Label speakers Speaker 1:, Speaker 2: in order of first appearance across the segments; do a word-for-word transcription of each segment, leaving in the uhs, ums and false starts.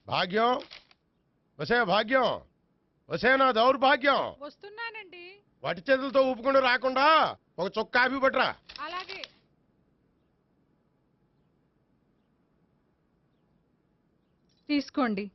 Speaker 1: భాగ్యం వసే భాగ్యం వసే నా దౌర్భాగ్యం.
Speaker 2: వస్తున్నానండి.
Speaker 1: వటి చేతులతో ఊపుకుండా రాకుండా ఒక చుక్క కాఫీ పట్టరా.
Speaker 2: అలాగే. తీసుకోండి.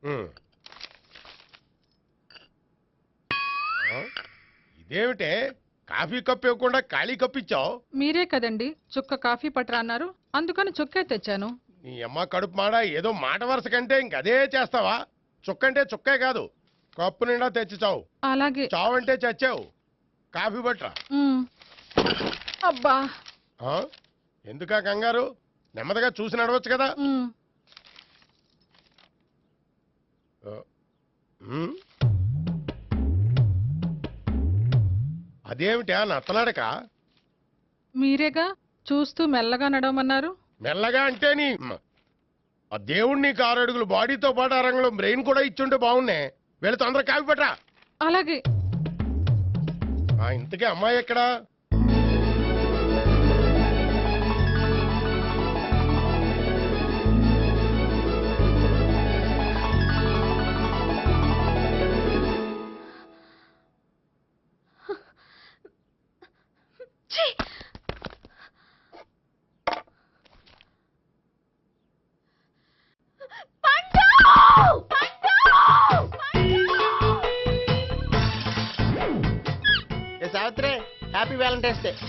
Speaker 1: ఇదేమిటే కాఫీ కప్పు ఇవ్వకుండా ఖాళీ కప్పు ఇచ్చావు?
Speaker 2: మీరే కదండి చుక్క కాఫీ పట్టరా అన్నారు, అందుకని చుక్కే తెచ్చాను.
Speaker 1: నీ అమ్మ కడుపు మాడ ఏదో మాట వరుస కంటే ఇంకదే చేస్తావా? చుక్కంటే చుక్కే కాదు, కప్పు నిండా తెచ్చి చావు.
Speaker 2: అలాగే.
Speaker 1: చావు అంటే చచ్చావు. కాఫీ పట్టరా.
Speaker 2: అబ్బా
Speaker 1: ఎందుకా కంగారు? నెమ్మదిగా చూసి నడవచ్చు కదా. అదేమిటా నత్తలాడక?
Speaker 2: మీరేగా చూస్తూ మెల్లగా నడవమన్నారు.
Speaker 1: మెల్లగా అంటే నీ ఆ దేవుడు నీకు ఆరు అడుగులు బాడీతో పాటు ఆ రంగంలో బ్రెయిన్ కూడా ఇచ్చుంటే బాగున్నాయి. వీళ్ళ తొందర కాఫీ పట్టరా.
Speaker 2: అలాగే.
Speaker 1: ఇంతకీ అమ్మాయి ఎక్కడా?
Speaker 3: Savitri, happy valentine's day.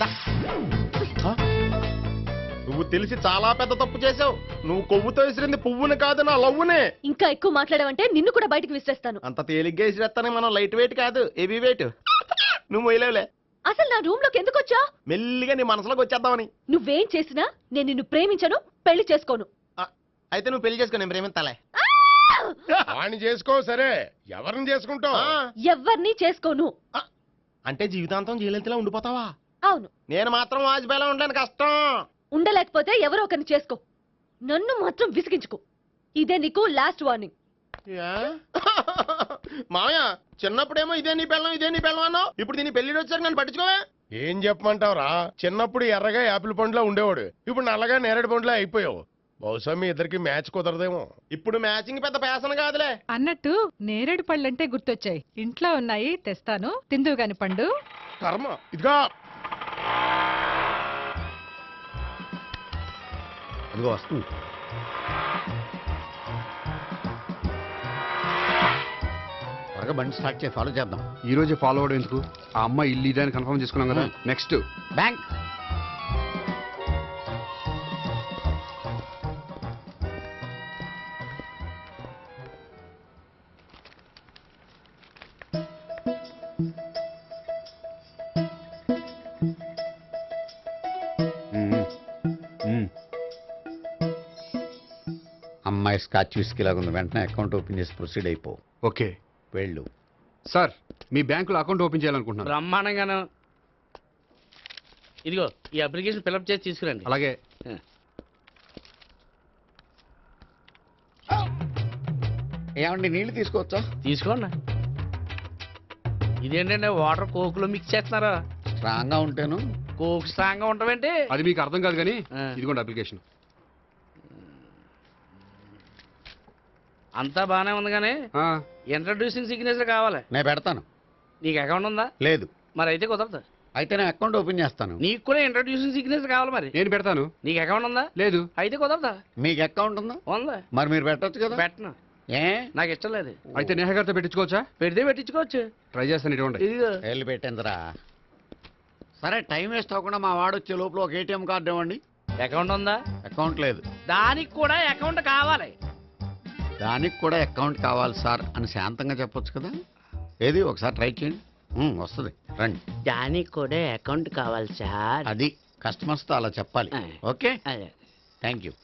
Speaker 3: నువ్వు తెలిసి చాలా పెద్ద తప్పు చేసావు. నువ్వు కొవ్వుతో విసిరింది పువ్వుని కాదు, నా లవ్వునే.
Speaker 4: ఇంకా ఎక్కువ మాట్లాడవంటే నిన్ను కూడా బయటకు విసిరేస్తాను.
Speaker 3: అంత తేలిగ్గా విసిరేస్తానే, మనం లైట్ వెయిట్ కాదు, హెవీ వెయిట్. నువ్వు వేయలేవులే.
Speaker 4: అసలు నా రూమ్ లోకి ఎందుకు వచ్చా?
Speaker 3: మెల్లిగా నీ మనసులోకి వచ్చేద్దామని.
Speaker 4: నువ్వేం చేసినా నేను నిన్ను ప్రేమించను, పెళ్లి చేసుకోను.
Speaker 3: అయితే నువ్వు పెళ్లి చేసుకో, నేను ప్రేమించాలే.
Speaker 1: వాణ్ణి చేసుకో. సరే, ఎవరిని చేసుకుంటావు?
Speaker 4: ఎవరిని చేసుకోను.
Speaker 3: అంటే జీవితాంతం జయలలితలా ఉండిపోతావా?
Speaker 4: అవును.
Speaker 3: నేను మాత్రం వాజ్పేయిలా ఉండడానికి కష్టం.
Speaker 4: ఉండలేకపోతే ఎవరో ఒకరిని చేసుకో, నన్ను మాత్రం విసిగించుకో. ఇదే నీకు లాస్ట్ వార్నింగ్.
Speaker 3: మామయ్య, చిన్నప్పుడేమో ఇదే నీ పెళ్ళం ఇదే నీ పెళ్ళం అన్నావు, ఇప్పుడు దీని పెళ్లి వచ్చాక నన్ను పట్టించుకోవా?
Speaker 1: ఏం చెప్పమంటావురా? చిన్నప్పుడు ఎర్రగా యాపిల్ పండులో ఉండేవాడు, ఇప్పుడు నల్లగా నేరేడు పండులో అయిపోయావు. బహుశా మీ ఇద్దరికి మ్యాచ్ కుదరదేమో.
Speaker 3: ఇప్పుడు మ్యాచింగ్ పెద్ద పేసన కాదులే.
Speaker 2: అన్నట్టు నేరేడు పళ్ళంటే గుర్తొచ్చాయి. ఇంట్లో ఉన్నాయి, తెస్తాను, తిందువు గాని పండు.
Speaker 1: కర్మ. ఇదిగా
Speaker 5: అదిగో వస్తుంది. త్వరగా బండి స్టార్ట్ చేసి ఫాలో చేద్దాం.
Speaker 6: ఈ రోజే ఫాలో అవడం ఎందుకు? ఆ అమ్మాయి ఇల్లు ఇదని కన్ఫర్మ్ చేసుకున్నాం కదా. Next
Speaker 5: bank. అమ్మాయి స్కాచ్ విస్కీ లాగా ఉంది. వెంటనే అకౌంట్ ఓపెన్ చేసి ప్రొసీడ్ అయిపో.
Speaker 6: ఓకే,
Speaker 5: వెళ్ళు.
Speaker 6: సార్, మీ బ్యాంకులో అకౌంట్ ఓపెన్ చేయాలనుకుంటున్నాను.
Speaker 7: బ్రహ్మాండంగాను. ఇదిగో ఈ అప్లికేషన్ ఫిల్అప్ చేసి తీసుకురండి.
Speaker 6: అలాగే.
Speaker 5: ఏమండి, నీళ్లు తీసుకోవచ్చా?
Speaker 7: తీసుకోండి. ఇదేంటంటే వాటర్ కోక్ లో మిక్స్ చేస్తున్నారా?
Speaker 5: స్ట్రాంగ్ గా ఉంటాను.
Speaker 7: కోక్ స్ట్రాంగ్ గా ఉంటావేంటి?
Speaker 6: అది మీకు అర్థం కాదు కానీ ఇదిగోండి అప్లికేషన్.
Speaker 7: అంతా బానే ఉంది కానీ ఇంట్రడ్యూసింగ్ సిగ్నేచర్ కావాలి.
Speaker 5: నేను పెడతాను.
Speaker 7: నీకు అకౌంట్ ఉందా?
Speaker 5: లేదు.
Speaker 7: మరి అయితే కుదరదు.
Speaker 5: అయితే నేను అకౌంట్ ఓపెన్ చేస్తాను.
Speaker 7: నీకు కూడా ఇంట్రడ్యూసింగ్ సిగ్నేచర్ కావాలి. మరి
Speaker 6: నేను పెడతాను.
Speaker 7: నీకు అకౌంట్ ఉందా?
Speaker 6: లేదు.
Speaker 7: అయితే కుదరదా?
Speaker 5: మీకు అకౌంట్ ఉందా?
Speaker 7: ఉందా?
Speaker 5: మరి మీరు పెట్టొచ్చు కదా.
Speaker 7: పెట్టను.
Speaker 5: ఏ?
Speaker 7: నాకు ఇష్టం లేదు.
Speaker 6: అయితే నేహ గారితో పెట్టించుకోవచ్చా?
Speaker 7: పెడితే పెట్టించుకోవచ్చు.
Speaker 6: ట్రై చేస్తాను. ఇటువంటి
Speaker 5: వెళ్ళి పెట్టిందిరా. సరే, టైం వేస్ట్ అవ్వకుండా మా వాడు వచ్చే లోపల ఒక ఏటీఎం కార్డు ఇవ్వండి.
Speaker 7: అకౌంట్ ఉందా?
Speaker 5: అకౌంట్ లేదు.
Speaker 7: దానికి కూడా అకౌంట్ కావాలి.
Speaker 5: దానికి కూడా అకౌంట్ కావాలి సార్ అని శాంతంగా చెప్పొచ్చు కదా. ఏది ఒకసారి ట్రై చేయండి, వస్తుంది. రండి.
Speaker 7: దానికి కూడా అకౌంట్ కావాలి సార్.
Speaker 5: అది కస్టమర్స్తో అలా చెప్పాలి. Okay, thank you.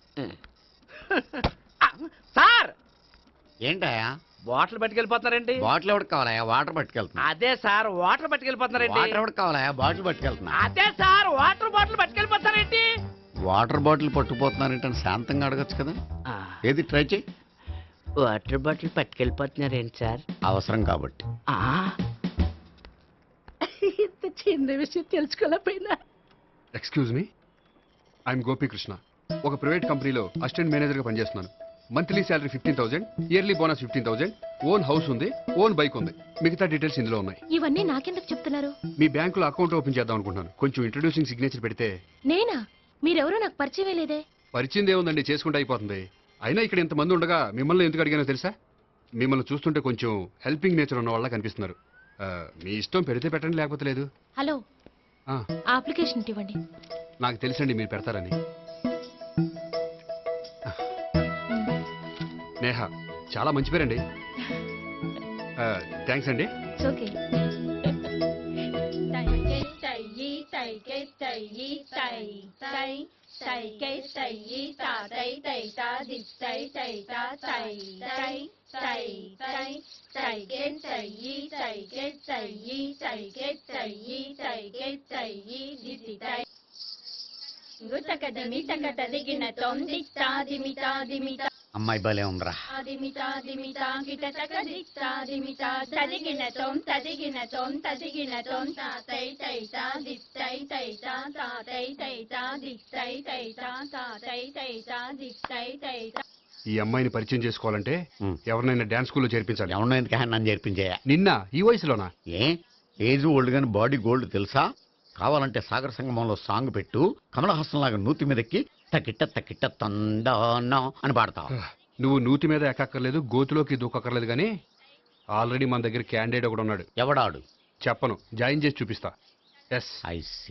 Speaker 7: సార్,
Speaker 5: ఏంటయా
Speaker 7: బాటిల్ పట్టుకెళ్ళిపోతున్నారేంటి?
Speaker 5: బాటిల్ ఎవరికి కావాలయా? వాటర్ పట్టుకెళ్తున్నా.
Speaker 7: అదే సార్, వాటర్ పట్టుకెళ్ళిపోతున్నారేంటి?
Speaker 5: వాటర్ ఎవరికి కావాలయా? బాటిల్ పట్టుకెళ్తున్నా.
Speaker 7: అదే సార్, వాటర్ బాటిల్ పట్టుకెళ్ళిపోతారేంటి?
Speaker 5: వాటర్ బాటిల్ పట్టుకుపోతున్నారేంటి అని శాంతంగా అడగచ్చు కదా. ఏది ట్రై చేయి.
Speaker 7: వాటర్ బాటిల్ పట్టుకెళ్ళిపోతున్నారేంటి సార్?
Speaker 5: అవసరం కాబట్టి.
Speaker 7: ఇంత చిన్న విషయం తెలుసుకోలేకపోయినా.
Speaker 6: Excuse me, I'm Gopikrishna. ఒక ప్రైవేట్ కంపెనీలో అసిస్టెంట్ మేనేజర్గా పనిచేస్తున్నాను. Monthly salary fifteen thousand, yearly bonus fifteen thousand, own house ఉంది, ఓన్ బైక్ ఉంది. మిగతా డీటెయిల్స్ ఇందులో ఉన్నాయి.
Speaker 4: ఇవన్నీ నాకెందుకు చెప్తున్నారు?
Speaker 6: మీ బ్యాంకులో అకౌంట్ ఓపెన్ చేద్దాం అనుకుంటున్నాను. కొంచెం ఇంట్రొడ్యూసింగ్ సిగ్నేచర్ పెడితే.
Speaker 4: నేనా? మీరెవరో నాకు పరిచయమే లేదే.
Speaker 6: పరిచయం ఏముందండి, చేసుకుంటే అయిపోతుంది. అయినా ఇక్కడ ఇంతమంది ఉండగా మిమ్మల్ని ఎందుకు అడిగానో తెలుసా? మిమ్మల్ని చూస్తుంటే కొంచెం హెల్పింగ్ నేచర్ ఉన్న వాళ్ళ కనిపిస్తున్నారు. ఆ, మీ ఇష్టం పెడితే పెట్టండి, లేకపోతే లేదు.
Speaker 4: హలో,
Speaker 6: ఆ,
Speaker 4: ఆ అప్లికేషన్ ఇవ్వండి.
Speaker 6: నాకు తెలుసండి మీరు పెడతారని. నేహ, చాలా మంచి పేరండి. థ్యాంక్స్ అండి.
Speaker 4: ఓకే.
Speaker 5: అమ్మాయి భలే ఉందిరా.
Speaker 6: ఈ అమ్మాయిని పరిచయం చేసుకోవాలంటే
Speaker 5: ఉమ్.
Speaker 6: ఎవరినైనా డాన్స్ స్కూల్లో చేర్పించాలి.
Speaker 5: ఎవరినో ఎందుకు నన్ను చేర్పించేయ?
Speaker 6: నిన్న ఈ వయసులోనా?
Speaker 5: ఏ ఏజ్ ఓల్డ్ గాని బాడీ గోల్డ్ తెలుసా? కావాలంటే సాగర సంగమంలో సాంగ్ పెట్టు, కమలహాసం లాగా నూతి మీదకి తకిట్ట తకిట్ట తందానా అని పాడతావు.
Speaker 6: నువ్వు నూతి మీద ఎక్కక్కర్లేదు, గోతులోకి దూకక్కర్లేదు, కానీ ఆల్రెడీ మన దగ్గర క్యాండిడేట్ ఒకడు ఉన్నాడు.
Speaker 5: ఎవడాడు?
Speaker 6: చెప్పను, జాయిన్ చేసి చూపిస్తా. Yes,
Speaker 5: I see.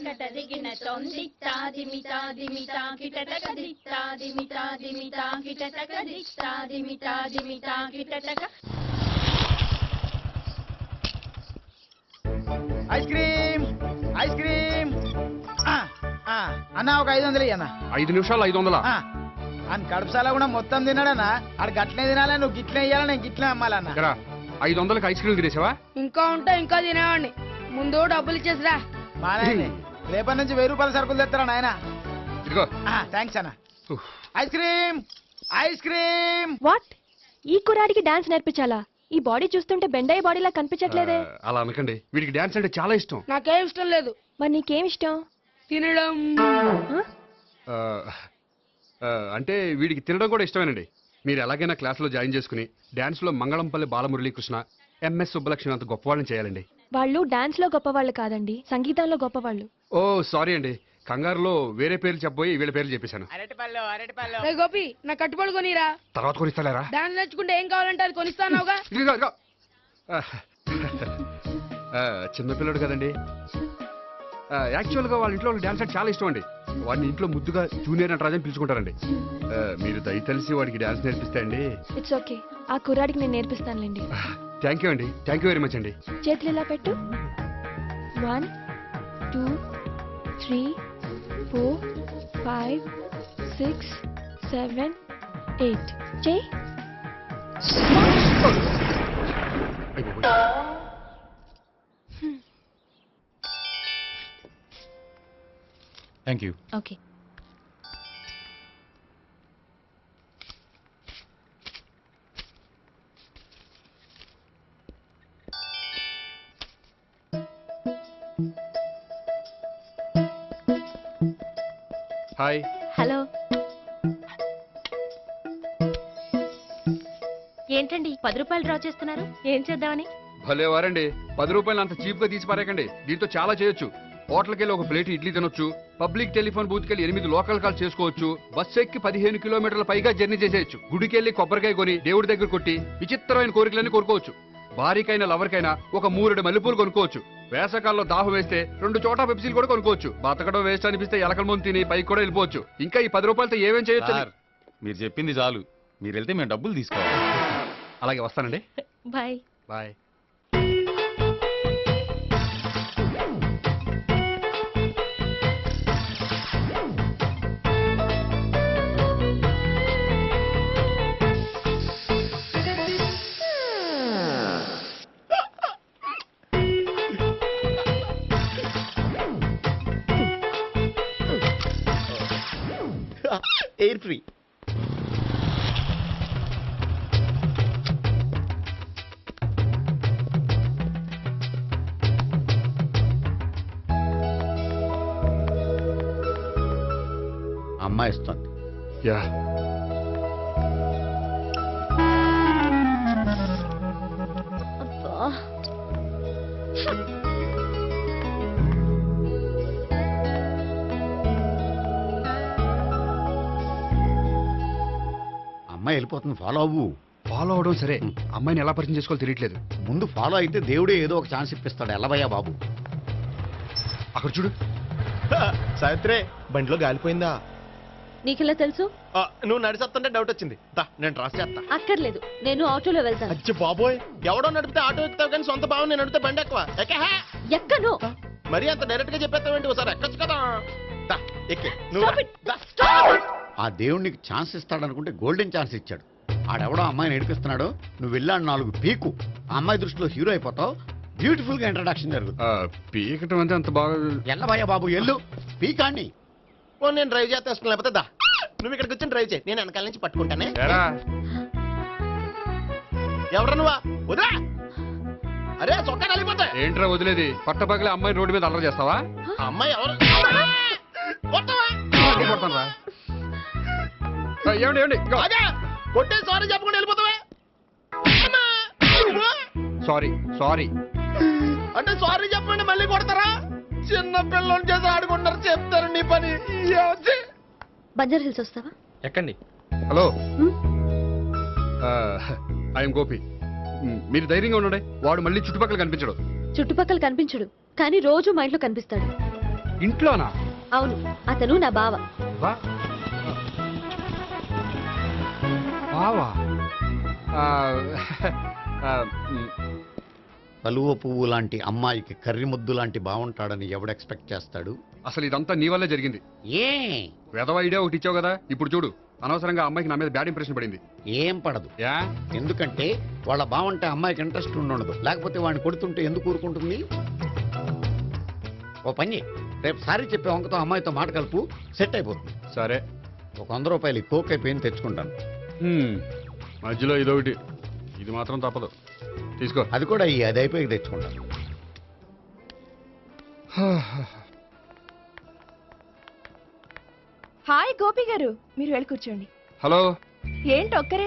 Speaker 8: Ice cream ice cream అన్న, ఒక ఐదు వందలు అన్న.
Speaker 6: ఐదు నిమిషాలు ఐదు వందలా?
Speaker 8: అని కడుపుసాల కూడా మొత్తం తిన్నాడన్నా. ఆడు గట్లే తినాలా, నువ్వు గిట్లే ఇయ్యాలా, నేను గిట్లే అమ్మాలన్నా.
Speaker 6: ఎరా, ఐదు వందలకి ఐస్ క్రీమ్ తినేసావా?
Speaker 7: ఇంకా ఉంటే ఇంకా తినేవాడిని. ముందు డబ్బులు ఇచ్చేసిరా.
Speaker 8: మానే రేపటి నుంచి వెయ్యి రూపాయల సరుకులు తెస్తారా నాయన?
Speaker 6: ఇదిగో.
Speaker 8: థ్యాంక్స్ అన్న. Ice cream ice cream.
Speaker 4: What? ఈ కుర్రాడికి డాన్స్ నేర్పించాలా? ఈ బాడీ చూస్తుంటే బెండయ్య బాడీలా కనిపించట్లేదే.
Speaker 6: ఆ, అలా అనకండి, వీడికి డాన్స్ అంటే చాలా ఇష్టం.
Speaker 7: నాకేం ఇష్టం లేదు.
Speaker 4: మరి నీకేం ఇష్టం?
Speaker 7: తినడం.
Speaker 6: ఆ, ఆ, అంటే వీడికి తినడం కూడా ఇష్టమేనండి. మీరు ఎలాగైనా క్లాస్లో జాయిన్ చేసుకుని డాన్స్లో మంగళంపల్లి బాలమురళీకృష్ణ, ఎంఎస్ సుబ్బలక్ష్మి అంత గొప్పవాళ్ళని చేయాలండి.
Speaker 4: వాళ్ళు డాన్స్ లో గొప్పవాళ్ళు కాదండి, సంగీతంలో గొప్పవాళ్ళు.
Speaker 6: ఓ సారీ అండి, కంగారులో వేరే పేర్లు చెప్పబోయి వీళ్ళ పేర్లు చెప్పేశాను.
Speaker 8: అరటిపళ్ళు అరటిపళ్ళు.
Speaker 7: రే గోపి, నా కట్టుబడి కొనిరా.
Speaker 6: తర్వాత కొనిస్తారా?
Speaker 7: డాన్స్ నేర్చుకుంటే ఏం కావాలంటే అది కొనిస్తానావుగా.
Speaker 6: ఇదిగో, ఇదిగో. ఆ, ఆ, చిన్నపిల్లడు కదండి. ఆ, యాక్చువల్గా వాళ్ళ ఇంట్లో డాన్స్ అంటే చాలా ఇష్టం అండి. వాడిని ఇంట్లో ముద్దుగా జూనియర్ నటరాజు అని పిలుచుకుంటారండి. ఆ, మీరు దయ తెలిసి వాడికి డాన్స్ నేర్పిస్తే అండి.
Speaker 4: ఇట్స్ ఓకే, ఆ కుర్రాడికి నేను నేర్పిస్తానులేండి.
Speaker 6: థ్యాంక్ యూ అండి, థ్యాంక్ యూ వెరీ మచ్ అండి.
Speaker 4: చేతులు ఇలా పెట్టు. One two three four five six seven eight. చెయ్యి.
Speaker 9: Thank you.
Speaker 4: Okay.
Speaker 6: Hi.
Speaker 4: Hello. ఏంటండి పది రూపాయలు డ్రా చేస్తున్నారు? ఏం చేద్దామని?
Speaker 6: భలే వారండి, పది రూపాయలు అంత చీప్ గా తీసి పారేకండి. దీంతో చాలా చేయొచ్చు. హోటల్కి వెళ్ళి ఒక ప్లేట్ ఇడ్లీ తినొచ్చు, పబ్లిక్ టెలిఫోన్ బూత్కి వెళ్ళి ఎనిమిది లోకల్ కాల్ చేసుకోవచ్చు, బస్సు ఎక్కి పదిహేను కిలోమీటర్ల పైగా జర్నీ చేసేయచ్చు, గుడికి వెళ్ళి కొబ్బరికాయ కొని దేవుడి దగ్గర కొట్టి విచిత్రమైన కోరికలన్నీ కోరుకోవచ్చు, భారీకైనా లవర్కైనా ఒక మూరెడు మల్లెపూలు కొనుక్కోవచ్చు, వేసవకాలంలో దాహం వేస్తే రెండు చోట పెప్సీలు కూడా కొనుక్కోవచ్చు, బతకడం వేస్ట్ అనిపిస్తే ఎలకల ముందు తిని పైకి కూడా వెళ్ళిపోవచ్చు. ఇంకా ఈ పది రూపాయలతో ఏమేం చేయొచ్చు?
Speaker 9: మీరు చెప్పింది చాలు, మీరు వెళ్తే మేము డబ్బులు తీసుకోవాలి.
Speaker 6: అలాగే వస్తానండి.
Speaker 4: బాయ్.
Speaker 6: బాయ్.
Speaker 5: Air free. అమ్మాయి ఇస్తుంది.
Speaker 6: యా.
Speaker 5: అమ్మాయి వెళ్ళిపోతుంది, ఫాలో అవ్వు.
Speaker 6: ఫాలో అవడం సరే, అమ్మాయిని ఎలా పరిచయం చేసుకోవాలో తెలియట్లేదు.
Speaker 5: ముందు ఫాలో అయితే దేవుడే ఏదో ఒక ఛాన్స్ ఇప్పిస్తాడు. ఎల్లవయ్యా బాబు.
Speaker 6: అక్కడ చూడు.
Speaker 3: సావిత్రి బండిలో గాలిపోయిందా?
Speaker 4: నీకెలా తెలుసు?
Speaker 3: ఆ, నువ్వు నడిచేస్తుంటే డౌట్ వచ్చింది. దా, నేను ట్రాస్ చేస్తా.
Speaker 4: అక్కర్లేదు, నేను ఆటోలో వెళ్తాను.
Speaker 3: అచ్చి బాబోయ్, ఎవడో నడిపితే ఆటో ఎక్కుతావు కానీ సొంత భావం నేను నడిపితే బండి ఎక్కువ ఎక్కహా?
Speaker 4: ఎక్కను.
Speaker 3: మరి అంత డైరెక్ట్ గా చెప్పేస్తావేంటి? ఒకసారి ఎక్కొచ్చు కదా. దా, ఎక్కి నువ్వు
Speaker 4: Stop
Speaker 3: రా.
Speaker 4: it.
Speaker 3: దా.
Speaker 4: Stop it.
Speaker 5: ఆ దేవుడికి ఛాన్స్ ఇస్తాడనుకుంటే గోల్డెన్ ఛాన్స్ ఇచ్చాడు. ఆడెవడో అమ్మాయిని ఏడిపిస్తున్నాడు, నువ్వు వెళ్ళాడు నాలుగు పీకు. ఆ అమ్మాయి దృష్టిలో హీరో అయిపోతావు. బ్యూటిఫుల్ గా ఇంట్రడక్షన్ జరుగుతుంది.
Speaker 6: ఆ, పీకటం అంటే అంత బాగా.
Speaker 5: ఎల్లవయ్యా బాబు ఎల్లు, పీకాన్ని.
Speaker 3: ఓ, నేను డ్రైవ్ చేస్తాను. లేకపోతే దా, నువ్వు ఇక్కడికి వచ్చి డ్రైవ్ చేయి, నేను వెనకాల నుంచి పట్టుకుంటానే.
Speaker 6: ఎరా
Speaker 3: ఎవరు నువ్వా? వదిలా. అరే చొక్కా కలిపోతాయి.
Speaker 6: ఏంట్రా వదిలేది? పట్టపగలే అమ్మాయి రోడ్డు మీద అల్లరి చేస్తావా?
Speaker 3: ఆ అమ్మాయి ఎవరు? కొట్టవా?
Speaker 6: కొడతానురా. ఆ, ఏమండి ఏమండి ఇదిగో.
Speaker 3: అదే కొట్టే సారీ చెప్పకుండా వెళ్ళిపోతావే. అమ్మా! నువ్వు?
Speaker 6: Sorry sorry.
Speaker 3: అంటే సారీ చెప్పండి మళ్ళీ కొడతారా? చిన్న పిల్లలు చేసి ఆడుకుంటారు, చెప్తారు నీ పని. ఏమొచ్చి?
Speaker 4: బంజారా హిల్స్ వస్తావా?
Speaker 6: ఎక్కండి. హలో,
Speaker 4: హ్మ్?
Speaker 6: ఐఎమ్ గోపి. మ్, మీరు ధైర్యంగా ఉండండి. వాడు మళ్ళీ చుట్టుపక్కల కనిపించడు.
Speaker 4: చుట్టుపక్కల కనిపించడు, కానీ రోజు మా ఇంట్లో కనిపిస్తాడు.
Speaker 6: ఇంట్లోనా?
Speaker 4: అవును, అతను నా బావ.
Speaker 6: వా. బావా? ఆ, ఆ, మ్,
Speaker 5: కలువ పువ్వు లాంటి అమ్మాయికి కర్రి ముద్దు లాంటి బాగుంటాడని ఎవడు ఎక్స్పెక్ట్ చేస్తాడు?
Speaker 6: అసలు ఇదంతా నీ వల్లే జరిగింది.
Speaker 5: ఏ
Speaker 6: వెధవ ఐడియా ఒకటి ఇచ్చావు కదా, ఇప్పుడు చూడు. అనవసరంగా అమ్మాయికి నా మీద బ్యాడ్ ఇంప్రెషన్ పడింది.
Speaker 5: ఏం పడదు.
Speaker 6: యా?
Speaker 5: ఎందుకంటే వాళ్ళ బాగుంటే అమ్మాయికి ఇంట్రెస్ట్ ఉండదు. లేకపోతే వాడిని కొడుతుంటే ఎందుకు ఊరుకుంటుంది? ఓ పని చెయ్. రేపు సారీ చెప్పే వంకతో అమ్మాయితో మాట కలుపు, సెట్ అయిపోతుంది.
Speaker 6: సరే.
Speaker 5: ఒక వంద రూపాయలు ఈ కోక్ అయిపోయింది, తెచ్చుకుంటాను.
Speaker 6: హ్మ్, మధ్యలో ఇదొకటి. ఇది మాత్రం తప్పదు. తీసుకో.
Speaker 5: అది కూడా ఈ అది అయిపోయి తెచ్చుకుంటాను.
Speaker 10: హాయ్ గోపి గారు, మీరు వెళ్ళి కూర్చోండి.
Speaker 6: హలో.
Speaker 10: ఏంటి ఒక్కరే?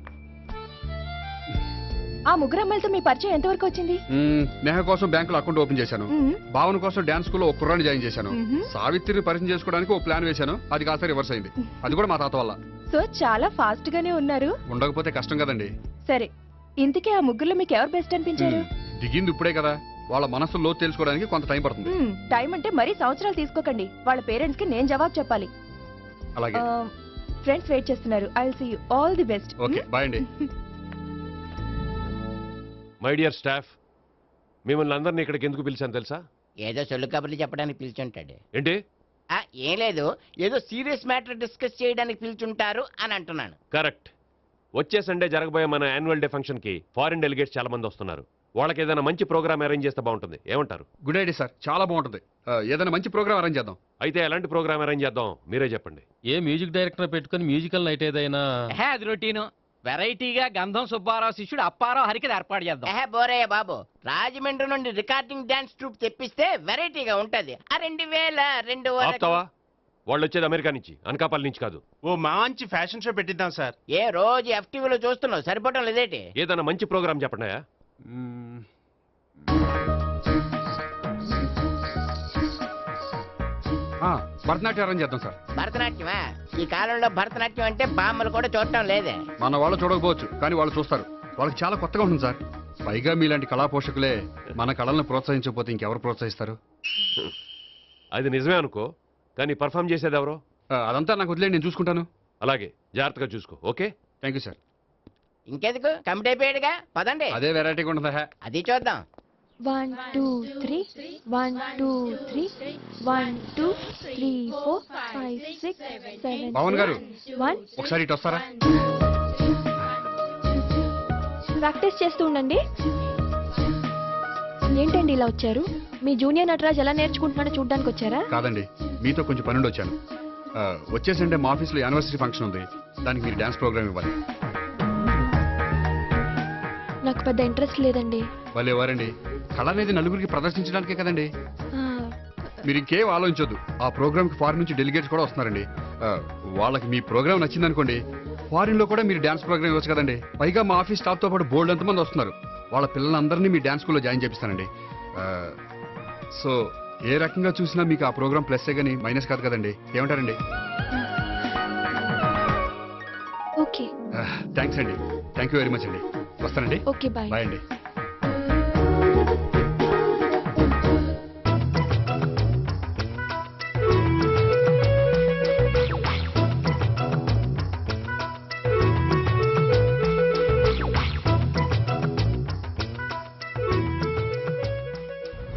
Speaker 10: ఆ ముగ్గురు అమ్మాయిలతో మీ పరిచయం ఎంతవరకు వచ్చింది?
Speaker 6: మ్, నేహ కోసం బ్యాంకులో అకౌంట్ ఓపెన్ చేశాను.
Speaker 10: మ్మ్.
Speaker 6: భావన కోసం డాన్స్ స్కూల్లో ఒక కుర్రాన్ని జాయిన్ చేశాను.
Speaker 10: మ్మ్.
Speaker 6: సావిత్రిని పరిచయం చేసుకోవడానికి ఒక ప్లాన్ వేశాను. అది కాస్త రివర్స్ అయింది. అది కూడా మా తాత వల్ల.
Speaker 10: సో చాలా ఫాస్ట్ గానే ఉన్నారు.
Speaker 6: ఉండకపోతే కష్టం కదండి.
Speaker 10: సరే, ఇంతకీ ఆ ముగ్గురులో మీకు ఎవరు బెస్ట్ అనిపించారు?
Speaker 6: మ్, దిగింది ఇప్పుడే కదా, వాళ్ళ మనసు లోతు తెలుసుకోవడానికి కొంత టైం పడుతుంది.
Speaker 10: మ్మ్, టైం అంటే మరీ సంవత్సరాలు తీసుకోకండి. వాళ్ళ పేరెంట్స్ కి నేను జవాబు చెప్పాలి.
Speaker 6: అలాగే.
Speaker 10: ఫ్రెండ్స్ వెయిట్ చేస్తున్నారు. I will see you. All the best.
Speaker 6: Okay, bye అండి.
Speaker 11: మై డియర్ స్టాఫ్, మిమ్మల్ని అందరినీ ఇక్కడికి ఎందుకు పిలిచాను తెలుసా?
Speaker 8: ఏదో సొల్లు కబుర్లు చెప్పడానికి పిలిచుంటాడు.
Speaker 11: ఏంటి?
Speaker 8: ఆ, ఏం లేదు, ఏదో సీరియస్ మ్యాటర్ డిస్కస్ చేయడానికి పిలిచుంటారు అని అంటున్నాను.
Speaker 11: కరెక్ట్. వచ్చే సండే జరగబోయే మన యాన్యువల్ డే ఫంక్షన్ కి ఫారిన్ డెలిగేట్స్ చాలా మంది వస్తున్నారు. వాళ్ళకి ఏదైనా మంచి ప్రోగ్రామ్ అరేంజ్ చేస్తే బాగుంటుంది. ఏమంటారు?
Speaker 6: గుడ్ ఐడియా సార్, చాలా బాగుంటుంది. ఆ, ఏదైనా మంచి ప్రోగ్రామ్ అరేంజ్ చేద్దాం.
Speaker 11: అయితే ఎలాంటి ప్రోగ్రామ్ అరేంజ్ చేద్దాం మీరే చెప్పండి.
Speaker 9: ఏ మ్యూజిక్ డైరెక్టర్ పెట్టుకుని మ్యూజికల్ నైట్ ఏదైనా?
Speaker 8: అది రొటీను. వెరైటీగా గంధం సుబ్బారావు శిష్యుడు అప్పారావు హరికి ఏర్పాటు చేద్దాం. ఏహే బోరయ్య బాబు, రాజమండ్రి నుండి రికార్డింగ్ డాన్స్ ట్రూప్ తెప్పిస్తే వెరైటీగా ఉంటది. ఆ రెండు వేల రెండు
Speaker 11: ఆపుతావా? వాళ్ళు వచ్చేది అమెరికా నుంచి, అనకాపల్లి నుంచి కాదు.
Speaker 3: ఓ మంచి ఫ్యాషన్ షో పెట్టిద్దాం సార్.
Speaker 8: ఏ రోజు ఎఫ్టీవీలో చూస్తున్నావు, సరిపోవటం లేదేటి?
Speaker 11: ఏదైనా మంచి ప్రోగ్రామ్ చెప్పండి.
Speaker 6: భరతనాట్యం అరేంజ్ చేద్దాం సార్.
Speaker 8: భరతనాట్యమా? ఈ కాలంలో భరతనాట్యం అంటే బామ్మలు కూడా చూడటం లేదే.
Speaker 6: మన వాళ్ళు చూడకపోవచ్చు, కానీ వాళ్ళు చూస్తారు. వాళ్ళకి చాలా కొత్తగా ఉంటుంది సార్. పైగా మీలాంటి కళా పోషకులే మన కళలను ప్రోత్సహించకపోతే ఇంకెవరు ప్రోత్సహిస్తారు?
Speaker 11: అది నిజమే అనుకో, కానీ పర్ఫామ్ చేసేది ఎవరో?
Speaker 6: ఆ, అదంతా నాకు వదిలేండి, నేను చూసుకుంటాను.
Speaker 11: అలాగే, జాగ్రత్తగా చూసుకో. Okay,
Speaker 6: thank you sir.
Speaker 8: ఇంకెందుకు, కమిటీ అయిపోయాడుగా, పదండి.
Speaker 6: అదే వెరైటీగా ఉంటుందా?
Speaker 8: అది చూద్దాం.
Speaker 10: One two three one two three one two three four five six seven.
Speaker 6: Pawan గారు,
Speaker 10: వన్.
Speaker 6: ఒకసారి ఇటు వస్తారా?
Speaker 10: ప్రాక్టీస్ చేస్తూ ఉండండి. ఏంటండి ఇలా వచ్చారు? మీ జూనియర్ నటరాజ్ ఎలా నేర్చుకుంటున్నాడో చూడ్డానికి వచ్చారా?
Speaker 6: కాదండి, మీతో కొంచెం పనుండి వచ్చాను. ఆ, వచ్చేసంటే మా ఆఫీస్లో యానివర్సరీ ఫంక్షన్ ఉంది, దానికి మీరు డాన్స్ ప్రోగ్రామ్ ఇవ్వాలి.
Speaker 10: నాకు పెద్ద ఇంట్రెస్ట్ లేదండి.
Speaker 6: వాళ్ళు ఎవరండి? కళ అనేది నలుగురికి ప్రదర్శించడానికే కదండి.
Speaker 10: ఆ,
Speaker 6: మీరు ఇంకేం ఆలోచించొద్దు. ఆ ప్రోగ్రామ్కి ఫారిన్ నుంచి డెలిగేట్స్ కూడా వస్తున్నారండి. ఆ, వాళ్ళకి మీ ప్రోగ్రామ్ నచ్చిందనుకోండి, ఫారిన్ లో కూడా మీరు డాన్స్ ప్రోగ్రామ్ ఇవ్వచ్చు కదండి. పైగా మా ఆఫీస్ స్టాఫ్ తో పాటు బోల్డ్ ఎంతమంది వస్తున్నారు. వాళ్ళ పిల్లలందరినీ మీ డాన్స్ స్కూల్లో జాయిన్ చేపిస్తానండి. సో ఏ రకంగా చూసినా మీకు ఆ ప్రోగ్రామ్ ప్లస్సే కానీ మైనస్ కాదు కదండి. ఏమంటారండి?
Speaker 10: ఓకే.
Speaker 6: థ్యాంక్స్ అండి థ్యాంక్ యూ వెరీ మచ్ అండి వస్తానండి
Speaker 10: ఓకే బాయ్
Speaker 6: బాయ్ అండి